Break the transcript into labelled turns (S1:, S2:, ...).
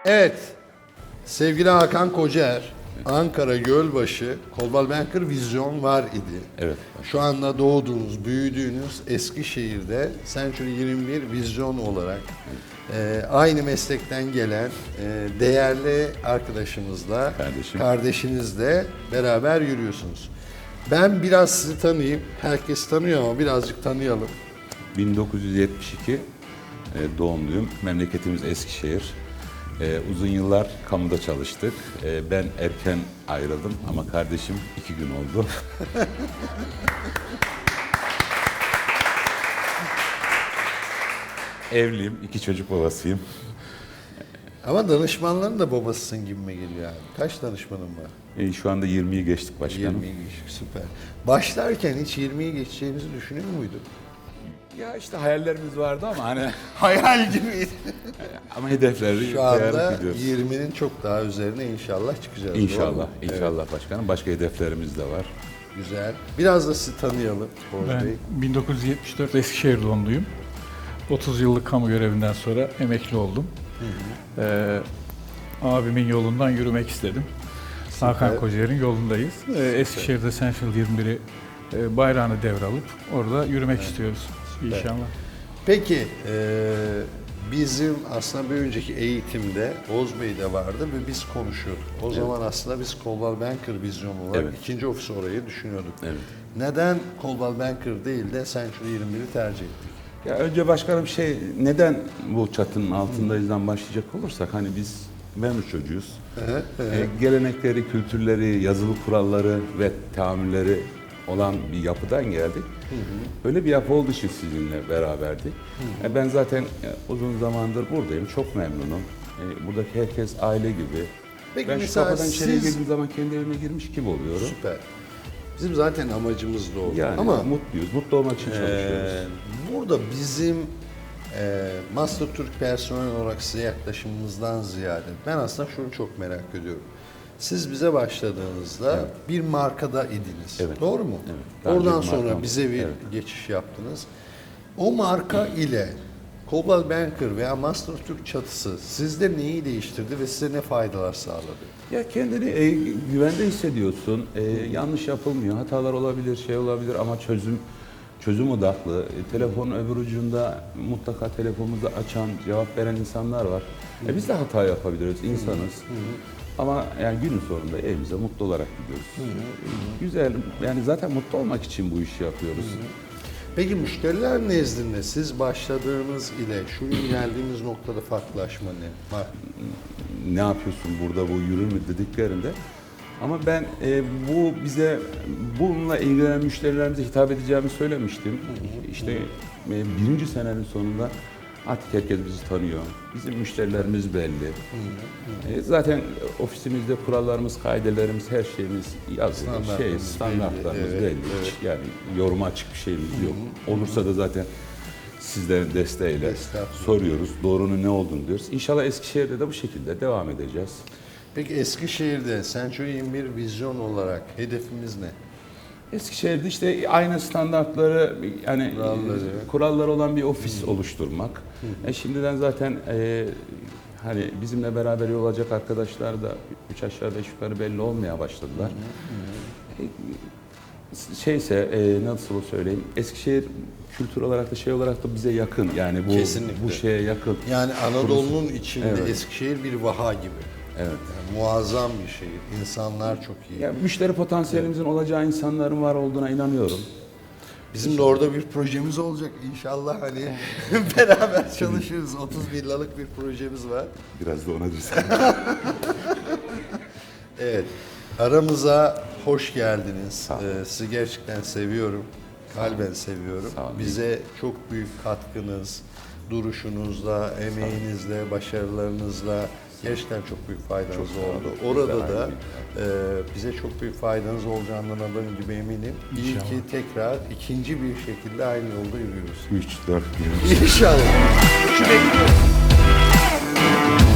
S1: Evet, sevgili Hakan Kocaer, Ankara Gölbaşı Coldwell Banker Vizyon var idi.
S2: Evet.
S1: Şu anda doğduğunuz, büyüdüğünüz Eskişehir'de Century 21 Vizyon olarak aynı meslekten gelen değerli arkadaşımızla, kardeşinizle beraber yürüyorsunuz. Ben biraz sizi tanıyayım. Herkes tanıyor ama birazcık tanıyalım.
S2: 1972 doğumluyum. Memleketimiz Eskişehir. Uzun yıllar kamuda çalıştık. Ben erken ayrıldım ama kardeşim 2 gün oldu. Evliyim, 2 çocuk babasıyım.
S1: Ama danışmanların da babasısın gibime geliyor abi. Kaç danışmanın var?
S2: Şu anda 20'yi geçtik başkanım.
S1: 20'yi geçtik, süper. Başlarken hiç 20'yi geçeceğimizi düşünüyor muydun?
S2: Ya işte hayallerimiz vardı ama hani
S1: Hayal gibiydi.
S2: ama hedefleri
S1: Şu anda
S2: dayanak gidiyoruz.
S1: 20'nin çok daha üzerine inşallah çıkacağız. doğru
S2: İnşallah,
S1: mu?
S2: inşallah
S1: Evet,
S2: başkanım. Başka hedeflerimiz de var.
S1: güzel. Biraz da sizi tanıyalım Oğuz
S3: Ben
S1: Bey.
S3: 1974 Eskişehir doğumluyum. 30 yıllık kamu görevinden sonra emekli oldum. Abimin yolundan yürümek istedim. Hakan Kocaer'in yolundayız. Eskişehir'de Central 21'i bayrağını devralıp orada yürümek istiyoruz inşallah.
S1: Peki, bizim aslında bir önceki eğitimde Oğuz Bey de vardı ve biz konuşuyorduk. O zaman aslında biz Coldwell Banker vizyonu olarak ikinci ofis orayı düşünüyorduk.
S2: Evet.
S1: Neden Coldwell Banker değil de Century 21'i tercih ettik?
S2: Ya önce başkanım neden bu çatının altındayızdan başlayacak olursak hani biz memur çocuğuyuz. Gelenekleri, kültürleri, yazılı kuralları ve tahammülleri olan bir yapıdan geldik. Öyle bir yapı olduğu için sizinle beraberdik. Ben zaten uzun zamandır buradayım. Çok memnunum. Buradaki herkes aile gibi.
S1: Peki
S2: Ben şu
S1: mesela
S2: kapıdan içeriye
S1: siz-
S2: girdiğim zaman kendi evime girmiş gibi oluyorum.
S1: Süper. Bizim zaten amacımız da o.
S2: Yani
S1: Ama
S2: mutluyuz. Mutlu olmak için çalışıyoruz.
S1: burada bizim Master Türk personel olarak size yaklaşımımızdan ziyade ben aslında şunu çok merak ediyorum. Siz bize başladığınızda bir markada idiniz.
S2: Evet.
S1: Doğru mu?
S2: Evet. Daha önce
S1: Oradan
S2: bir
S1: sonra
S2: markam
S1: bize bir
S2: var.
S1: geçiş yaptınız. O marka ile Coldwell Banker veya Master Türk çatısı sizde neyi değiştirdi ve size ne faydalar sağladı?
S2: Ya kendini güvende hissediyorsun. Yanlış yapılmıyor. Hatalar olabilir, olabilir ama çözüm odaklı. Telefonun öbür ucunda mutlaka telefonumuzu açan, cevap veren insanlar var. Biz de hata yapabiliriz, insanız. Ama yani günün sonunda evimize mutlu olarak gidiyoruz. Güzel. Yani zaten mutlu olmak için bu işi yapıyoruz.
S1: Peki müşteriler nezdinde siz başladığınız ile şu gün geldiğimiz noktada farklılaşma ne? Var.
S2: Ne yapıyorsun burada, bu yürür mü dediklerinde. Ama ben bununla ilgilenen müşterilerimize hitap edeceğimi söylemiştim. İşte birinci senenin sonunda artık herkes bizi tanıyor. Bizim müşterilerimiz belli. Zaten ofisimizde kurallarımız, kaidelerimiz, her şeyimiz yazılı. Standartlarımız
S1: belli.
S2: belli. Hiç yani yoruma açık bir şeyimiz yok. Olursa da zaten sizlerin desteğiyle soruyoruz. Doğrunun ne olduğunu diyoruz. İnşallah Eskişehir'de de bu şekilde devam edeceğiz.
S1: Peki Eskişehir'de Century 21 vizyon olarak hedefimiz ne?
S2: Eskişehir'de işte aynı standartları yani kuralları olan bir ofis oluşturmak. Şimdiden zaten hani bizimle beraber yol alacak arkadaşlar da 3 aşağı 5 yukarı belli olmaya başladılar. Nasıl söyleyeyim, Eskişehir kültür olarak da olarak da bize yakın, yani bu şeye yakın.
S1: Yani Anadolu'nun içinde
S2: Evet.
S1: Eskişehir bir vaha gibi.
S2: Evet.
S1: Yani muazzam bir şehir. İnsanlar çok iyi.
S2: Yani müşteri potansiyelimizin olacağı insanların var olduğuna inanıyorum.
S1: Bizim de orada bir projemiz olacak inşallah, hani beraber çalışırız. 30 villalık bir projemiz var.
S2: Biraz da ona düşsün.
S1: Evet, aramıza hoş geldiniz. Sizi gerçekten seviyorum, kalben seviyorum.
S2: Sağ olun.
S1: Bize çok büyük katkınız, duruşunuzla, emeğinizle, başarılarınızla gerçekten çok büyük faydanız oldu. Orada da bize çok büyük faydanız olacağından adım gibi eminim. İyi ki tekrar ikinci bir şekilde aynı yolda yürüyoruz.
S2: 3-4 gün.
S1: İnşallah. Şu bekliyorum.